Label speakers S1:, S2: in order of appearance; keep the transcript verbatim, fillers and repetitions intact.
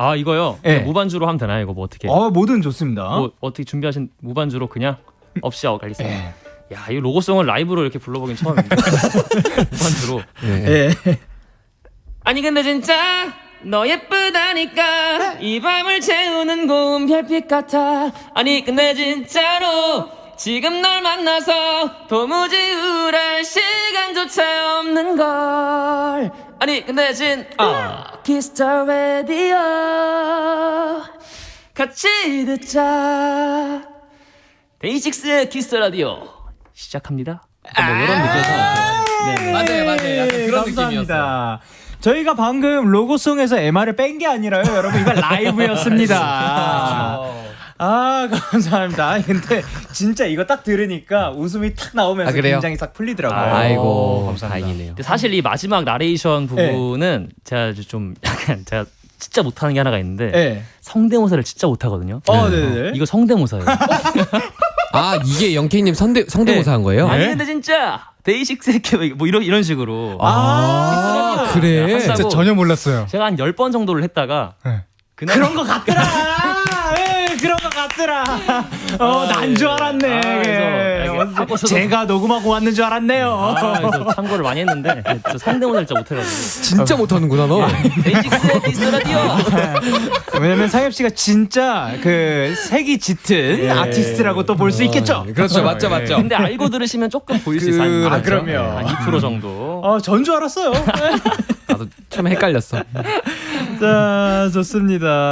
S1: 아 이거요?
S2: 네.
S1: 무반주로 하면 되나요? 이거 뭐 어떻게?
S2: 어 뭐든 좋습니다.
S1: 뭐 어떻게 준비하신 무반주로 그냥 없이 하고 가겠습니다.
S2: 예.
S1: 야, 이 로고송을 라이브로 이렇게 불러보긴 처음입니다. 무반주로.
S2: 예.
S1: 아니 근데 진짜 너 예쁘다니까 이 밤을 채우는 고운 별빛 같아. 아니 근데 진짜로 지금 널 만나서 도무지 우울할 시간조차 없는 걸. 아니 근데 진 아. 키스터 라디오 같이 듣자. 데이식스의 키스 라디오 시작합니다. 뭐 이런 느낌에서 네.
S3: 맞아요, 맞아요. 약간 그런
S2: 감사합니다.
S3: 느낌이었어요.
S2: 저희가 방금 로고송에서 엠알을 뺀 게 아니라요, 여러분. 이건 라이브였습니다. 아, 감사합니다. 근데 진짜 이거 딱 들으니까 웃음이 탁 나오면서
S3: 아, 그래요?
S2: 굉장히 싹 풀리더라고요.
S1: 아,
S3: 아이고,
S2: 감사합니다.
S3: 다행이네요.
S1: 근데 사실 이 마지막 나레이션 부분은 제가 좀 약간 제가 진짜 못하는 게 하나가 있는데
S2: 네.
S1: 성대모사를 진짜 못하거든요.
S2: 어, 네네.
S1: 이거 성대모사예요.
S3: 아, 이게 영케이님 성대, 성대모사 한 거예요?
S1: 아니 근데 진짜 데이식스 뭐 이런 이런 식으로
S3: 아, 그래?
S1: 한다고
S4: 진짜 전혀 몰랐어요.
S1: 제가 한 열 번 정도를 했다가
S4: 네.
S1: 그날
S2: 그런 거 같더라. 예, 그런 거 같더라. 어, 난 줄 알았네.
S1: 아, 그래서
S2: 예.
S1: 이게 하고서도-
S2: 제가 녹음하고 왔는 줄 알았네요.
S1: 아, 그래서 참고를 많이 했는데 저 성대모사를 진짜 못해가지고
S3: 진짜 못하는구나, 너.
S1: 데이식스의 키스 라디오.
S2: 왜냐면 상엽 씨가 진짜 그 색이 짙은 아티스트라고 또 볼 수 있겠죠.
S3: 그렇죠, 맞죠, 맞죠.
S1: 근데 알고 들으시면 조금 보일 수 있어요.
S2: 아, 그럼요.
S1: 한 이 퍼센트 정도.
S2: 어, 전 줄 알았어요.
S3: 나도 처음에 헷갈렸어.
S2: 자, 좋습니다.